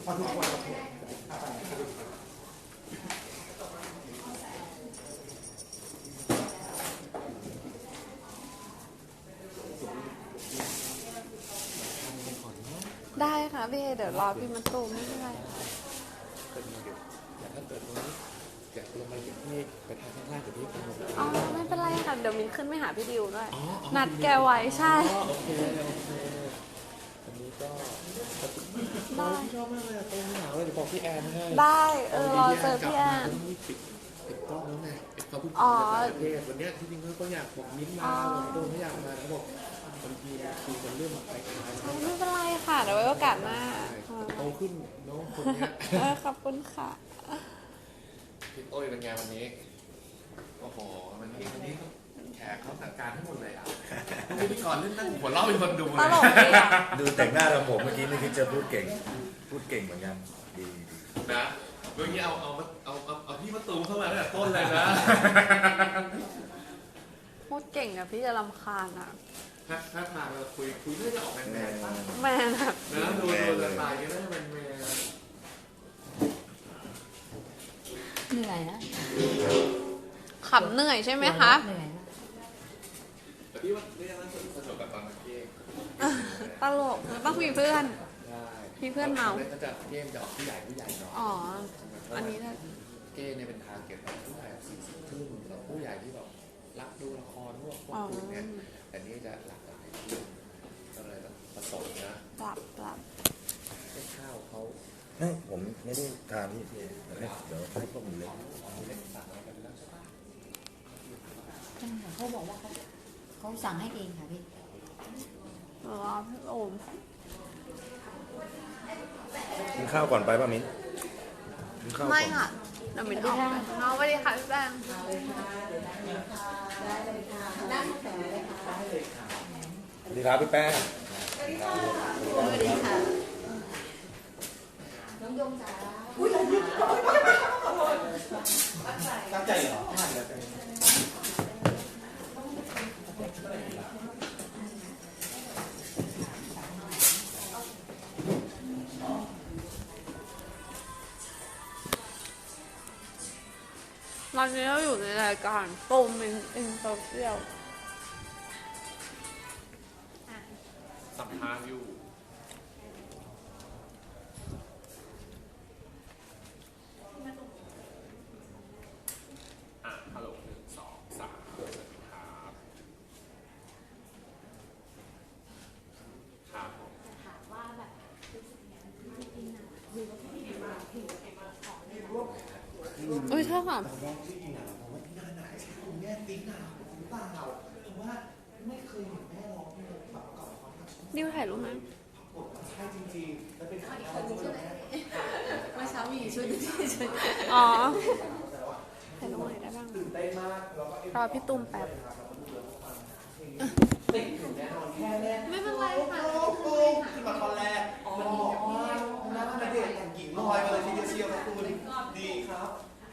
อทุกคนได้ค่ะพี่เดี๋ยวรอพี่มาตูมไม่เป็นไรค่ะเกิดมาเดี๋ยวถ้าเกิดตรงนี้อยากลงมาเดี๋ยวพี่ไปทางข้างล่างเดี๋ยวพี่ไปลงอ๋อไม่เป็นไรค่ะเดี๋ยวมินขึ้นไปหาพี่ดิวด้วยนัดแกไว้ใช่โอเคอันนี้ก็ได้ชอบมากเลยตรงหนาวเลยเดี๋ยวบอกพี่แอนให้ได้รอเจอพี่แอนปิดกล้องแล้วไงเขาพูดประเทศวันนี้ที่จริงเขาอยากบอกมิ้นมาบอกตัวเขาอยากมาเขาบอกบางทีคุยกันเรื่องแบบคล้ายๆไม่เป็นไรค่ะเดี๋ยวไว้โอกาสหน้าโตขึ้นน้องคนนี้ขอบคุณค่ะพี่โอ้ยเป็นไงวันนี้โอ้โหวันนี้แขกเขาสั่งการทั้งหมดเลยอ่ะพิธีกรเล่นนั่งหัวเราะเป็นคนดูเลยดูแต่งหน้าทำผมเมื่อกี้นี่คือจะพูดเก่งเหมือนกันดีนะเมื่อกี้เอาพี่มาตูมเข้ามาตั้งแต่ต้นเลยนะพูดเก่งอะพี่จะรำคาญอะถ้าทางเราคุยเรื่องจะออกแมนแมนแบบนะดูสไตล์ก็ได้แมนเหนื่อยนะขำเหนื่อยใช่ไหมคะเหนื่อยแต่พี่ว่าเรื่องนั้นสนุกกับตอนเกมตลกต้องมีเพื่อนมีเพื่อนเมาก็จะเกมจะออกผู้ใหญ่เนาะอ๋ออันนี้นะเกมเนี่ยเป็นทางเก็บผู้ใหญ่40 ขึ้นแล้วผู้ใหญ่ที่แบบรักดูละครพวกคุณเนี่ยแต่นี่จะหลากหลายก็เลยต้องผสมนะปรับข้าวเขาไม่ผมไม่ได้ทานที่เดี๋ยวให้พวกมันเล็กสั่งอะไรกันแล้วใช่ปะเขาบอกว่าเขาสั่งให้เองค่ะพี่พี่โอมกินข้าวก่อนไปป่ะมิ้นไม่ค่ะเดี๋ยวมิ้นออกไปน้องสวัสดีค่ะพี่แป้งสวัสดีครับพี่แป้งสวัสดีค่ะน้องยงจ๋าตั้งใจเหรอตอนนี้เราอยู่ในรายการตูมอินโซเชียลสัมภาษณ์อยู่ฮัลโหล1 2 3สวัสดีครับครับถามว่าแบบอุ้ยใช่ค่ะแม่ติ๊กหนาวหรือเปล่าเพราะว่าไม่เคยเห็นแม่ร้องเพลงแบบก่อนดิวถ่ายรูปไหมใช่จริงๆแล้วเป็นครั้งแรกที่เมื่อเช้ามีชุดที่อ๋อถ่ายรูปไหนได้บ้างตื่นเต้นมากรอพี่ตุ้มแป๊บติดถึงแน่นอนแค่แรกไม่เป็นไรค่ะที่มาตอนแรกมันบอกว่าหน้าเด็กอย่างหญิงลอยมาเลยทีเดียวเชียวนะคุณดีครับ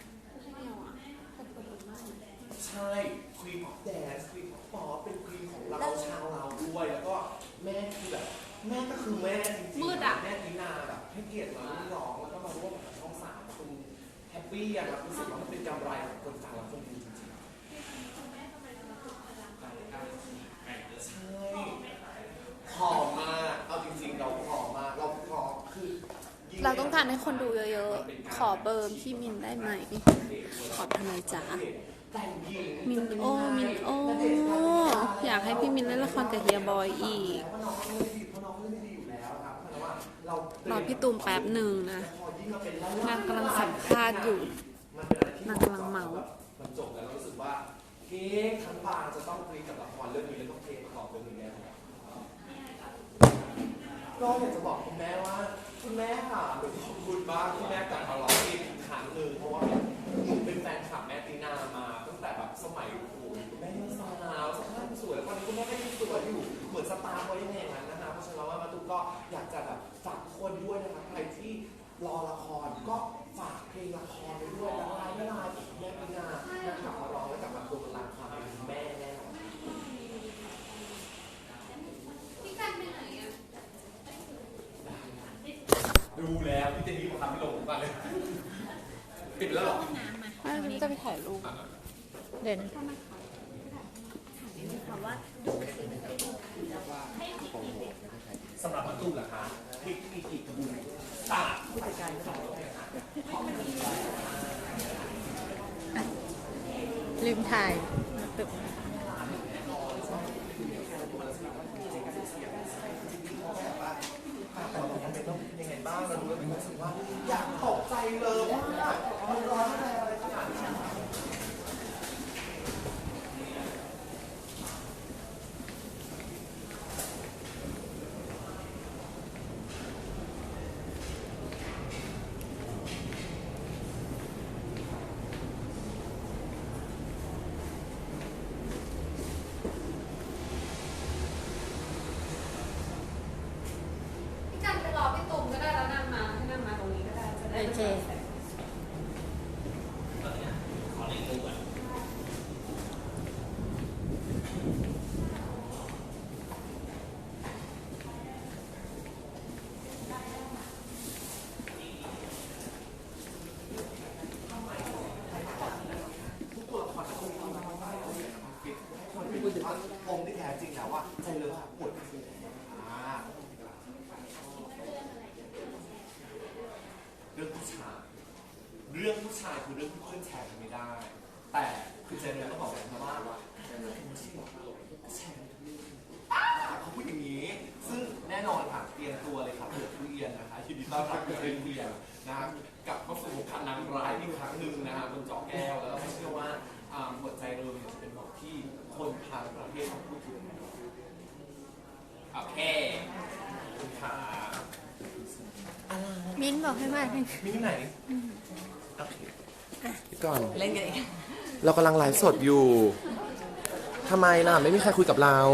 ใช่ควีนของแดนซ์ควีนของป๊อปเป็นควีนของเราชาวเราด้วยแล้วก็แม่คือแบบแม่ก็คือแม่จริงๆแม่ทีนาแบบให้เกียรติมาร้องแล้วก็มาร่วมกับช่อง3คุณแฮปปี้อะครับรู้สึกว่ามันเป็นกำไรของคนฟังและคนดูจริงๆใช่หอมมากเอาจริงๆเราหอมมากเราหอมคือเราต้องการให้คนดูเยอะๆขอเบอร์พี่มินได้ไหมขอทำไมจ๊ะมินโออยากให้พี่มินเล่นละครกับเฮียบอยอีกรอพี่ตูมแป๊บหนึ่งนะนางกำลังสัมภาษณ์อยู่นางกำลังเมามันจบแล้วรู้สึกว่าเก๊ทั้งบางจะต้องคุยกับละครเรื่องนี้แล้วต้องเทประกอบเรื่องนี้แน่ก็อยากจะบอกคุณแม่ว่าคุณแม่ค่ะหนูขอบคุณมากที่แม่กลับมาร้องเพลงอีกครั้งหนึ่งเพราะว่าหนูเป็นแฟนคลับแม่ตีนามาตั้งแต่แบบสมัยคุณแม่ยังสาวสภาพสวยแล้วตอนนี้คุณแม่ก็ยังสวยอยู่เหมือนสตาร์เขาอย่างนั้นนะคะเพราะฉะนั้นว่ามาตุ้ก็อยากจะแบบฝากคนด้วยนะคะใครที่รอละครก็ฝากเพลงละครไปด้วยละลายไม่ลายแม่ตีนานะคะมาร้องแล้วกลับมาตัวตามความเป็นแม่แน่นอนพี่กันไปไหนอ่ะดูแล้วพี่เจนนี่บอกทำไม่ลงก่อนเลยปิดแล้วหรอไม่รู้จะไปถ่ายรูปเด่นสำหรับประตูเหรอคะพริกมีกี่กระบุนตาผู้จัดการก็บอกลืมถ่ายตึกยังไงบ้างเราดูแล้วรู้สึกว่าอยากตกใจเลยว่ามันร้อนอะไรขนาดนี้กันไปรอพี่ตุ่มก็ได้แล้วนั่งมาให้นั่งมาตรงนี้ก็ได้จะได้โอเคปมที่แท้จริงแล้วว่าใจเลยค่ะปวดหัวเรื่องผู้ชายคือเรื่องที่เพื่อนแชร์กันไม่ได้ แต่คือเจนเนี่ยก็บอกเลยนะว่าไม่ใช่หรอกแชร์ทุกเรื่องเขาพูดอย่างนี้ซึ่งแน่นอนค่ะเตรียมตัวเลยครับเผื่อผู้เรียนนะคะยินดีต้อนรับเพื่อนเรียนนะครับกลับเข้าสู่วงการนางร้ายอีกครั้งหนึ่งนะครับบนจอแก้วแล้วก็เชื่อว่าหัวใจเราเนี่ยจะเป็นบทที่คนทางประเทศต้องพูดถึงโอเคคุณขามิ้นบอกให้มาให้มีที่ไหนโอเคก่อนเล่นกันอีกเรากำลังไลฟ์สดอยู่ทำไมล่ะไม่มีใครคุยกับเรา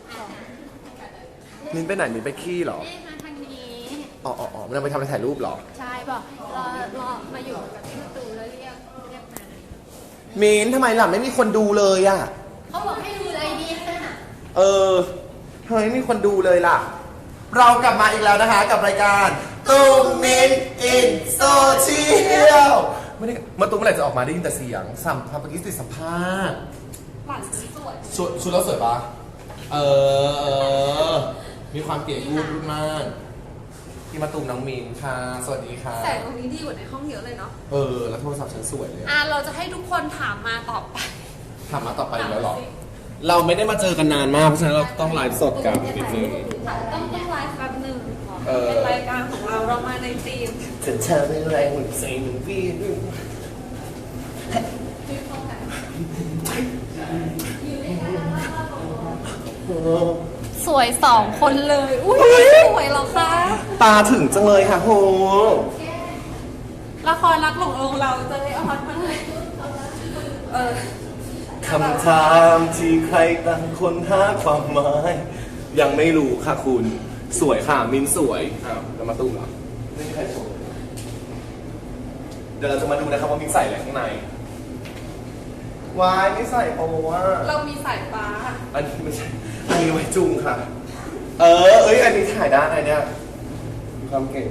มิ้นไปไหนมิ้นไปขี้เหรอเอ๊ะมาทางนี้อ๋อมันเอาไปทำอะไรถ่ายรูปเหรอใช่บอกรอมาอยู่กับพี่ตูแล้วเรียกมามิ้นทำไมล่ะไม่มีคนดูเลยอ่ะเขาบอกให้ดูเลยดีค่ะทำไมไม่มีคนดูเลยล่ะ เรากลับมาอีกแล้วนะคะกับรายการตูมมิ้นอินโซเชียลไม่ได้มาตูมเมื่อไหร่จะออกมาได้ยินแต่เสียงสัมภาษณ์เมื่อกี้ติดสัมภาษณ์หวานสวยชุดเราสวยปะมีความเก๋กูดมากพี่มาตูมน้องมินค่ะ สวัสดีค่ะแสงตรงนี้ดีกว่าในห้องเยอะเลยเนาะแล้วโทรศัพท์ฉันสวยเลยเราจะให้ทุกคนถามมาตอบไปถามมาต่อไปอีกแล้วเหรอ เราไม่ได้มาเจอกันนานมากเพราะฉะนั้นเราต้องไลฟ์สดกันนิดนึงต้องไลฟ์แป๊บหนึ่งเออเป็นรายการของเรามาในธีมฉันเธอเป็นแรงหนึ่งใจหนึ่งพี่สวยสองคนเลย อุ้ยสวยเหรอคะตาถึงจังเลยค่ะโหละครรักหลงลงเราจะได้เอาฮอตมาเลยคำถามที่ใครต่างคนหาความหมาย ยังไม่รู้ค่ะคุณ สวยค่ะ มินสวยแล้วมาตุ้มเหรอไม่มีใครชมเดี๋ยวเราจะมาดูนะครับว่ามินใส่อะไรข้างในวายไม่ใส่เพราะว่าเรามีสายฟ้าอันนี้ไม่ใช่ อันนี้ไว้จุงค่ะ อันนี้ถ่ายได้ไงเนี่ยมีความเก่ง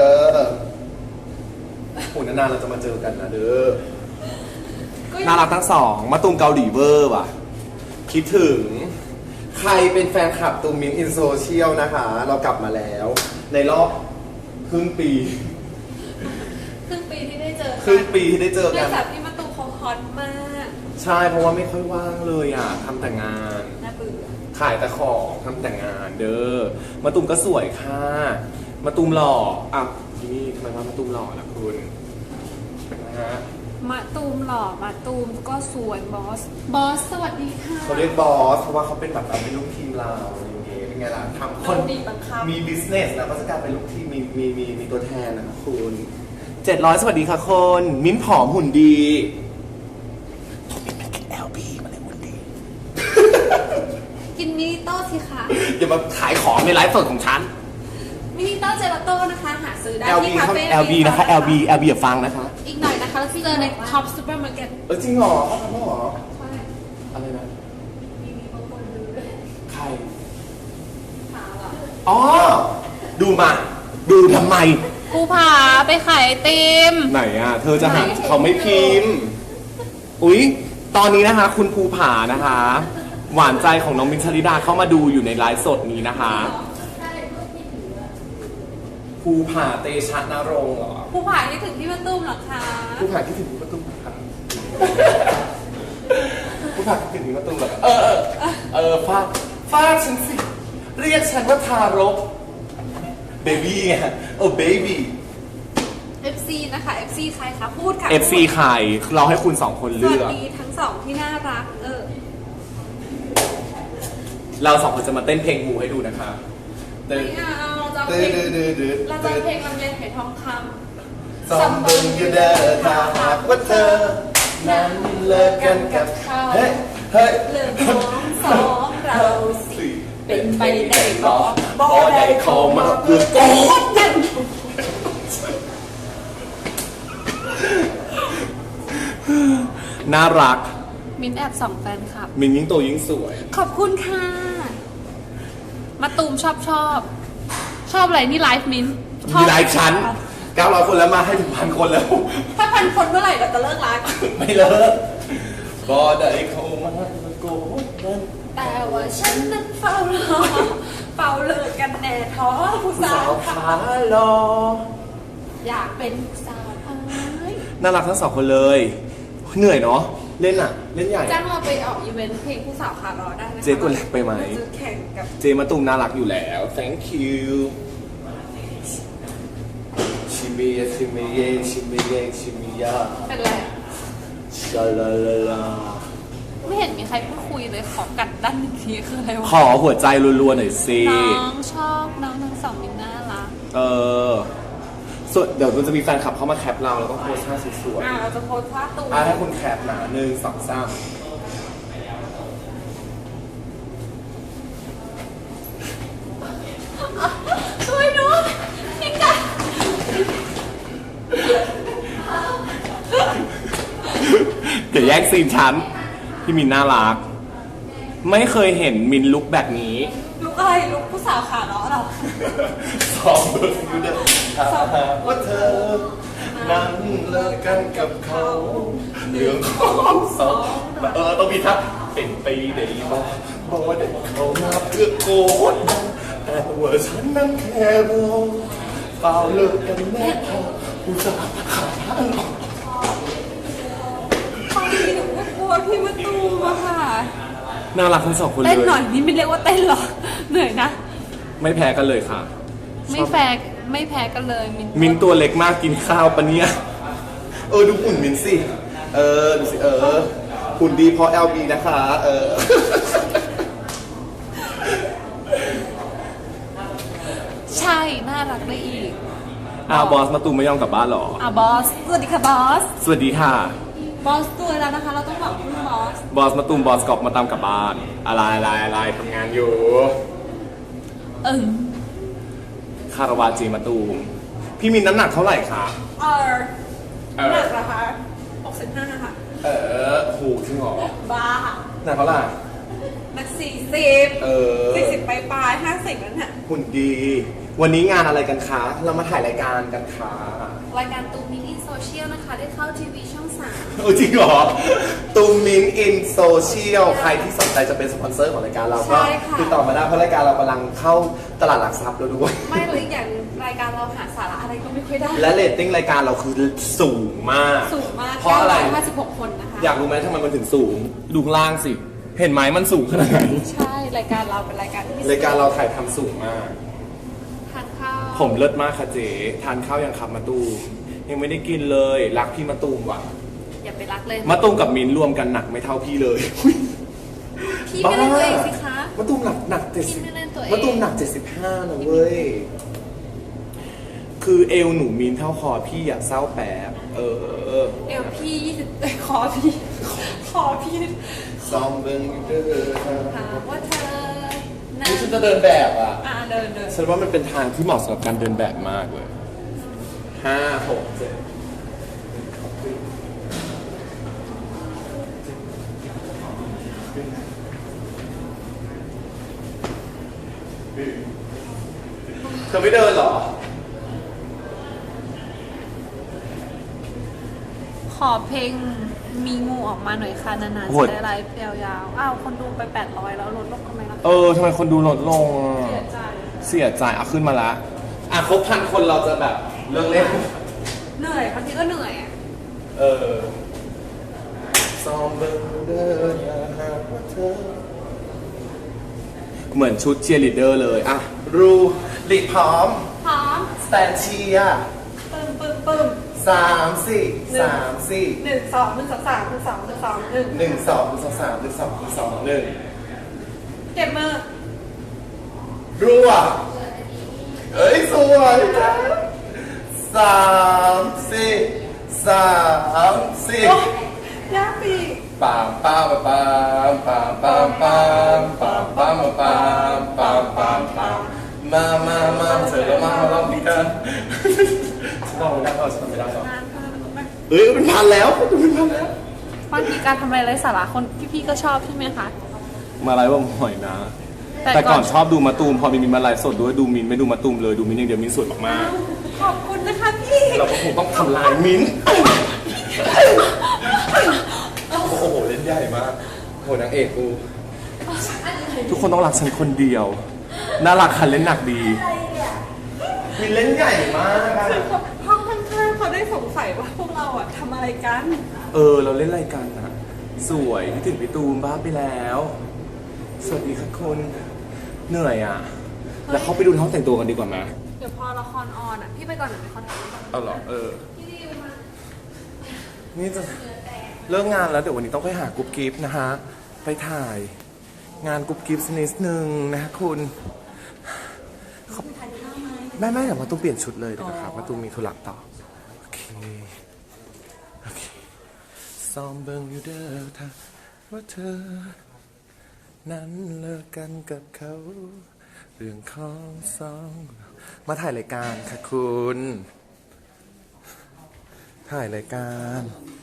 โหนานๆเราจะมาเจอกันนะเด้อ น่ารักทั้งสอง มาตูมเกาหลีเวอร์ว่ะ คิดถึง ใครเป็นแฟนคลับตูมมินอินโซเชียลนะคะ เรากลับมาแล้ว ในรอบครึ่งปีครึ่งปีที่ได้เจอครึ่งปีที่ได้เจอเนื่กัอน งจากที่มาตูเขาฮอตมากใช่เพราะว่าไม่ค่อยว่างเลยอ่ะทำแต่งานน่าเบื่อขายแต่ของทำแต่งานเด้อมาตูมก็สวยค่ะมาตูมหล่ออ่ะที่นี่ทำไมว่ามาตูมหล่อล่ะคุณนะฮะมาตูมหล่อมาตูมก็สวยบอส บอสสวัสดีค่ะเขาเรียกบอสเพราะว่าเขาเป็นแบบเราเป็นลูกทีมเราอะไรอย่างเงี้ยเป็นไงล่ะทำคนบีบบังคับมีบิสเนสแล้วก็จะกลายเป็นลูกทีมมีตัวแทนนะคะคุณ700สวัสดีค่ะคนมิ้นผอมหุ่นดีผมมิ้นเป็นกิน LB มาเลยหุ่นดีกินมินิโต้สิคะอย่ามาขายของในไลฟ์สดของฉันมินิโต้เจลาโต้นะคะ หาซื้อได้ LB ที่คาเขาเฟ่ LB นะคะ LB อย่าฟังนะคะอีกหน่อยนะคะแล้วที่เจอในท็อปซูเปอร์มาร์เก็ตจริงเหรอเขาทำแล้วเหรอใช่อะไรนะมีบางคนดูด้วยใครถามอ่ะอ๋อ ดูมา ดูทำไมภูผาไปขายไอติมไหนอ่ะ เธอจะหาเขาไม่พิมพ์ อุ๊ย ตอนนี้นะคะ คุณภูผานะคะ หวานใจของน้องมินท์ชลิดาเข้ามาดูอยู่ในไลฟ์สดนี้นะคะ ภูผาเตชะนรงค์เหรอภูผาคิดถึงพี่มะตุ้มเหรอคะภูผาคิดถึงพี่มะตุ้มเหรอครับภูผาคิดถึงพี่มะตุ้มเหรอฟาดฉันสิ เรียกฉันว่าทารกเบบี้ไงเบบี้ FC นะคะ FC ใครคะพูดค่ะ FC ใครเราให้คุณสองคนสเลืวัสอกดีทั้งสองที่น่ารักเราสองคนจะมาเต้นเพลงงูให้ดูนะคะไม่เอาเราจะเพลงเราจะเพลงลำเลียงไหทองคำสมบึงอยู่เด้อถ้าหากว่าเธอ นั้นเลิกกันกับเขาเฮ้ยเรื่องของสองเราสิเป็นไปได้บ่บ่พอได้ได้เข้ามาเพื่อโกดกันน่ารักมินแอบส่องแฟนคลับมินยิ่งโตยิ่งสวยขอบคุณค่ะ มาตูมชอบอะไรนี่ไลฟ์มินชอบมีหลายชั้น 900 คนแล้วมาให้ถึง1,000 คนแล้วถ้าพันคนเมื่อไหร่เราจะเลิกไลฟ์ไม่เลิกพอได้เข้ามาเพื่อโกดกันแต่ว่าฉันนั้นเฝ้ารอเฝ้าเลิกกันแน่ท้อผู้สาสาว วค่ะขาลออยากเป็นผู้สาวเอ้ยน่ารักทั้งสองคนเลย เหนื่อยเนาะ เล่นใหญ่จ้างเราไปออกอีเวนต์เพลงผู้สาวขาล้อได้นะคะเจ๊ตัวเล็กไปไหมเราจะแข่งกับเจมาตุมน่ารักอยู่แล้ว thank you ชิมิยะชิมิเยชิมิเยชิมิยะเป็นไรอะชาลาลาลาไม่เห็นมีใครพูดคุยเลยขอกัดด้านหนึ่งทีคืออะไรวะขอหัวใจรัวๆหน่อยสิน้องชอบน้องทั้งสองมินน่ารักส่วนเดี๋ยวมันจะมีแฟนคลับเข้ามาแคปเราแล้วก็โพสท่าสวยเราจะโพสต์ภาพตูมๆให้คุณแคปหนา1 2 3 ช่วยด้วยนี่กันเดี๋ยวแยกซีนฉันพี่มินน่ารัก ไม่เคยเห็นมินลุกแบบนี้ลุกอะไรลุกผู้สาวขาล้อเหรอสองเบอร์อยู่เดิมถ้าหากว่าเธอ นั้นเลิกกันกับเขาเรื่องของสองต้องมีท่าเป็นไปได้บ้างบอกว่าได้เขามาเพื่อโกดแต่ว่าฉันนั้นแค่รอเปล่าเลิกกันแน่พออุตส่าห์ขาดหรอกบางทีหนูก็กลัวพี่มะตูมอะค่ะน่ารักทั้งสองคนเลยเต้นหน่อยนี่ไม่เรียกว่าเต้นหรอ เหนื่อยนะไม่แพ้กันเลยค่ะไม่แพ้กันเลยมินตัวเล็กมากกินข้าวปะเนี่ย ดูหุ่นมินสิ ดูสิหุ่นดีเพราะ LB นะคะใช่น่ารักได้อีกบอสมาตูมไม่ยอมกลับบ้านหรอบอสสวัสดีค่ะบอสสวัสดีค่ะบอสตัวแล้วนะคะ เราต้องบอกคุณบอสบอสมาตูมบอสกอบมาตามกลับบ้าน อะไรทำงานอยู่ คาราวาจีมาตูม พี่มินน้ำหนักเท่าไหร่คะหนักเหรอคะ65นะคะหูจริงเหรอบ้าหนักเท่าไหร่หนัก40 40 ปลาย50นั่นน่ะหุ่นดี วันนี้งานอะไรกันคะ เรามาถ่ายรายการกันค่ะรายการตูมินิโซเชียลนะคะ ได้เข้าทีวีช่องจริงเหรอ ตูมมินอินโซเชียล ใครที่สนใจจะเป็นสปอนเซอร์ของรายการเราก็ติดต่อมาได้เพราะรายการเรากำลังเข้าตลาดหลักทรัพย์แล้วด้วย 3 ไม่เลยอีกอย่างรายการเราหาสาระอะไรก็ไม่ค่อยได้และเรตติ้งรายการเราคือสูงมากสูงมากเพราะอะไร 956 คนนะคะอยากรู้ไหมทำไมมันถึงสูง ดูข้างล่างสิ เห็นไหมมันสูงขนาดไหนใช่ รายการเราเป็นรายการที่รายการเราถ่ายทำสูงมากทานข้าวผมเลิศมากค่ะเจ๊ทานข้าวยังขับมาตูมยังไม่ได้กินเลยรักพี่มาตูมว่ะอย่าไปรักเลยมาตูมกับมินรวมกันหนักไม่เท่าพี่เลยพี่ไม่เล่นตัวเองสิคะมาตูมหนักพี่ไม่เล่นตัวเองมาตูมหนัก75นะเว้ย คือเอวหนูมินเท่าคอพี่อยากเศร้าแป๊บเอวพี่20คอพี่ซ้อมเบิ้งอยู่เด้อถามว่าเธอนะนี่ฉันจะเดินแบบอ่ะเดินฉันว่ามันเป็นทางที่เหมาะสำหรับการเดินแบบมากเลย5 6 7เธอไม่เดินเหรอขอเพลงมีงูออกมาหน่อยค่ะนานโหๆดจะได้ไลฟ์ยาวๆอ้าวคนดูไป800แล้วลดลงทำไมล่ะทำไมคนดูลดลงเสียใจเอาขึ้นมาละครบ1,000 คนเราจะแบบเลิกเล่นเหนื่อยบางทีก็เหนื่อยอะซอมเบอร์เดอร์อย่าหากว่าเธอเหมือนชุดเชียร์ลีดเดอร์เลยรูลีดพร้อมพร้อมสแตนเชียร์ปึ้ม 3 4 3 4 1 2 1 2 3 1 2 1 2 1 1 2 1 2 3 1 2 2 1 เก็บมือรัวเอ้ยสวยจ้า3 4 3 4 ยากปีกปามปามปามปามปามปามปามปามปามปามปามปามมาเธอแล้วมาลองดีกันฉันลองไม่ได้ก็ฉันทำไม่ได้หรอกเป็นพันแล้วเป็นพันแล้วบางทีการทำอะไรไร้สาระคนพี่ๆก็ชอบใช่ไหมคะมาไลฟ์ว่าหอยนะ แต่ก่อนชอบดูมาตูมพอมีมาไลฟ์สดด้วยดูมินไม่ดูมาตูมเลยดูมินอย่างเดียวมินสวยมากขอบคุณนะคะพี่ๆเราก็คงต้องทำลายมินโอ้โหเล่นใหญ่มากโหนางเอกกูทุกคนต้องรักฉันคนเดียวน่ารักคันเล่นหนักดีมินเล่นใหญ่มากห้องข้างๆเขาได้สงสัยว่าพวกเราอะทำอะไรกันเราเล่นรายการนะสวยคิดถึงพี่ตูมบ้าไปแล้ว สวัสดีค่ะคุณเหนื่อยแล้วเขาไปดูในห้องแต่งตัวกันดีกว่าไหมเดี๋ยวพอละครออนอะพี่ไปก่อนหรือไปคอนเทนต์เอาเหรอนี่จะเลิกงานแล้วเดี๋ยววันนี้ต้องไปหากรุ๊ปกิฟต์นะฮะไปถ่ายงานกรุ๊ปกิฟต์นิดนึงนะฮะคุณไม่เดี๋ยวมาตุ้มเปลี่ยนชุดเลยเดี๋ยวนะครับมาตุ้มมีธุระต่อโอเคซ้อมเบิ่งอยู่เด้อถ้าว่าเธอนั้นเลิกกันกับเขาเรื่องของสองมาถ่ายรายการค่ะคุณถ่ายรายการ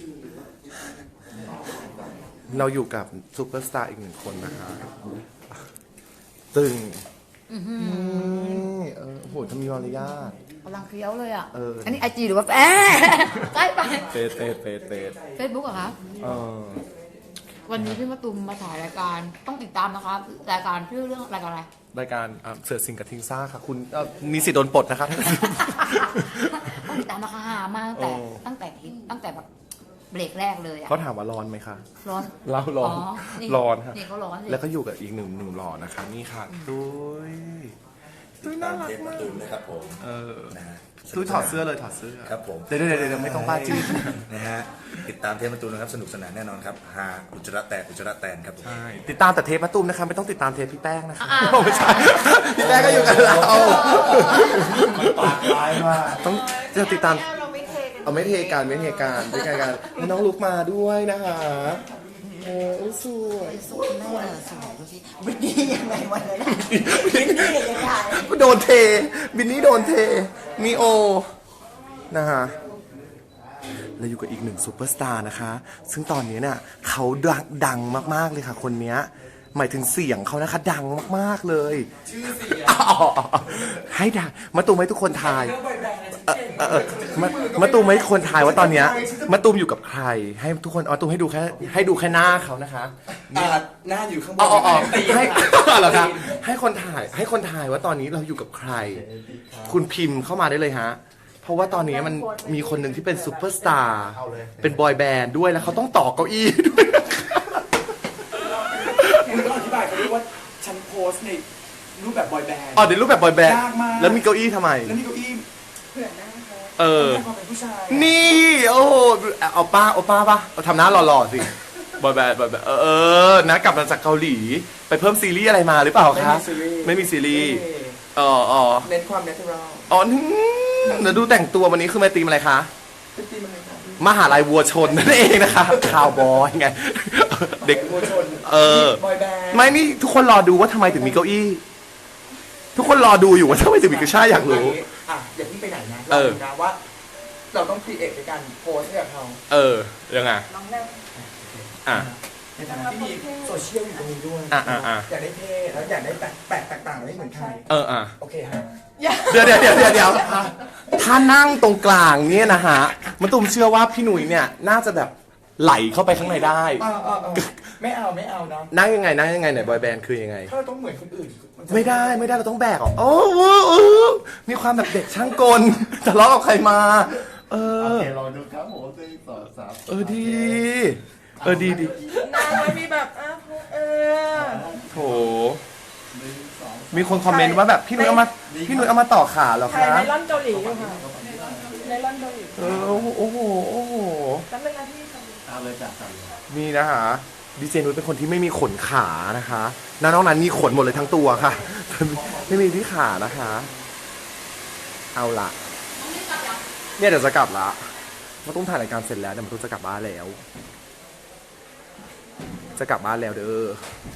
เราอยู่กับซูเปอร์สตาร์อีก1 คนนะคะตึงโหจะมีมารยาทกำลังเคี้ยวเลยอ่ะเอออัอันนี้ไอจีหรือว่าใกล้ไปเฟสเฟซบุ๊กเหรอคะ วันนี้พี่มะตูมมาถ่ายรายการต้องติดตามนะคะรายการชื่อเรื่องรายการอะไรรายการเสือสิงกับทิงซ่าค่ะคุณมีสิทธิ์โดนปลดนะครับต้องติดตามนะคะหามากตั้งแต่แบบเบรกแรกเลยอ่ะเขาถามว่าร้อนไหมคะร้อนเราร้อนนี่ร้อนค่ะนี่เขาร้อนสิแล้วก็อยู่กับอีกหนึ่งหล่อนะคะนี่ค่ะด้วยน่ารักมากตูมนะครับผม นะฮะตุ้ยถอดเสื้อเลยถอดเสื้อครับผมเดี๋ยวไม่ต้องบ้าจี้นะฮะติดตามเทปมาตูมนะครับสนุกสนานแน่นอนครับฮาอุจจาระแตนครับผมใช่ติดตามแต่เทปมะตูมนะคะไม่ต้องติดตามเทปพี่แป้งนะคะไม่ใช่พี่แป้งก็อยู่กับเราปากร้ายมากต้องจะติดตามเอาไม่เทกันไม่เทกันน้องลุกมาด้วยนะคะสวยสวยแม่สวยดูสิวินนี่ยังไงวันนั้นโดนเทบินนี่โดนเทมีโอนะฮะเราอยู่กับอีก1ซูเปอร์สตาร์นะคะซึ่งตอนนี้เนี่ยเขาดังมากๆเลยค่ะคนเนี้ยหมายถึงเสียงเขานะคะดังมากๆเลยชื่อเสียงให้ดังมาตูมให้ทุกคนทายมาตูมให้ทุกคนทายว่าตอนเนี้ยมาตูมอยู่กับใครให้ทุกคนมาตูมให้ดูแค่หน้าเขานะคะหน้าอยู่ข้างบนให้เหรอครับให้คนถ่ายว่าตอนนี้เราอยู่กับใคร คุณพิมพ์เข้ามาได้เลยฮะเพราะว่าตอนนี้มันมีคนหนึ่งที่เป็นซูเปอร์สตาร์เป็นบอยแบนด์ด้วยแล้วเขาต้องต่อเก้าอี้ด้วยคุณต้องอธิบายเขาด้วยว่าฉันโพสต์ในรูปแบบบอยแบนด์อ๋อเดี๋ยวรูปแบบบอยแบนด์ยากมากแล้วมีเก้าอี้ทำไมแล้วนี่เก้าอี้ต้องความเป็นผู้ชายนี่โอ้โหเอาป้าป่ะเอาทำหน้าหล่อๆสิบอยแบนด์นะกลับมาจากเกาหลีไปเพิ่มซีรีส์อะไรมาหรือเปล่าคะไม่มีซีรีส์อ๋อเน้นความเนเชอรัลอ๋อเดี๋ยวดูแต่งตัววันนี้คือมาตีมอะไรคะเป็นตีมันเลยครับมหาลัยวัวชนนั่นเองนะคะข่าวบอยไงเด็กวัวชน บอยแบนด์ไม่นี่ทุกคนรอดูว่าทำไมถึงมีเก้าอี้ ทุกคนรอดูอยู่ว่าทำไมถึงมีเก้าอี้อยากรู้อย่าเพิ่งไปไหนนะเราดูนะว่า เราต้องครีเอทในการโพสต์ให้กับเขายังไงอ่ะในฐานะที่มีโซเชียลอยู่ตรงนี้ด้วยอ่ะอยากได้เท่แล้วอยากได้แปลกแตกต่างไม่เหมือนใคร โอเคฮะเดี๋ยวถ้านั่งตรงกลางเนี่ยนะฮะมะตูมเชื่อว่าพี่หนุ่ยเนี่ยน่าจะแบบไหลเข้าไปข้างในได้ไม่เอานะนั่งยังไงไหนบอยแบนด์คือยังไงถ้าเราต้องเหมือนคนอื่นนจะไม่ได้เราต้องแบกออกโอ้โหมีความแบบเด็กช่างกลทะเลาะกับใครมาโอเคลองดูครับผม1 2 3 ดีดีนางไม่มีแบบโถมีคนคอมเมนต์ว่าแบบพี่นุ้ยเอามาต่อขาเหรอถ่ายคะไนลอนเกาหลีอยู่ค่ะไนลอนเกาหลีโอ้โหแป๊บนึงนะพี่เอาเลยจ้ะสั่งเลยนี่นะคะดีเจนุ้ยเป็นคนที่ไม่มีขนขานะคะน้องนั้นมีขนหมดเลยทั้งตัวค่ะ ไม่มีที่ขานะคะ เอาละเนี่ยเดี๋ยวจะกลับละมาต้องถ่ายรายการเสร็จแล้วเดี๋ยวมาต้องจะกลับบ้านแล้ว จะกลับบ้านแล้วเด้อ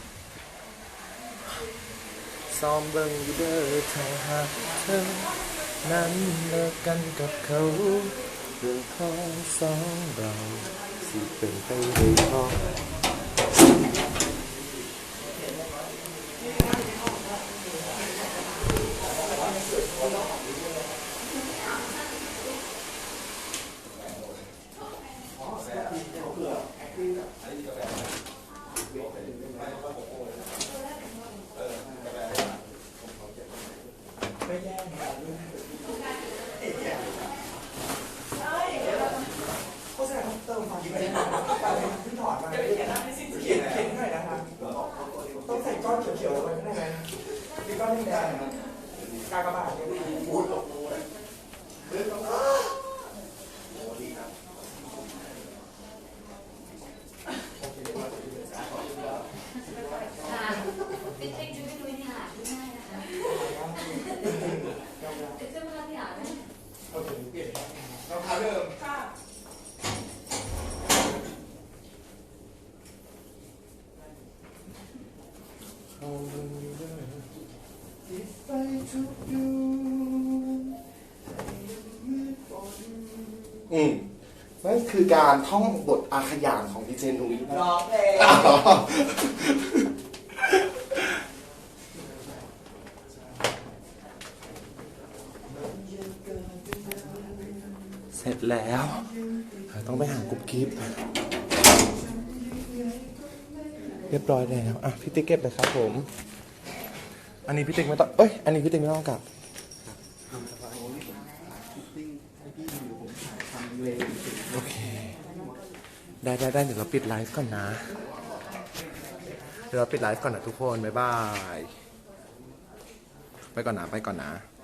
ซ้อมเบิ่งอยู่เด้อถ้าหากเธอนั้นเลิกกันกับเขาเรื่องของสองเราสิเป็นไปได้พอต้องใส่ก้อนเขียวๆลงไปข้างในไหมมีก้อนแดงๆนะกากบาทเนี่ยพูดเราพาเริ่มนั่นคือการท่องบทอาขยานของดีเจนุ้ยร้องเพลงเสร็จแล้วต้องไปหากรุ๊ปกิ๊บเรียบร้อยแล้วอ่ะพี่ติ๊กเก็บเลยครับผมอันนี้พี่ติ๊กไม่ต้องอันนี้พี่ติ๊กไม่ต้องกลับโอเคได้เดี๋ยวเราปิดไลฟ์ก่อนนะทุกคนบ๊ายบายไปก่อนนะ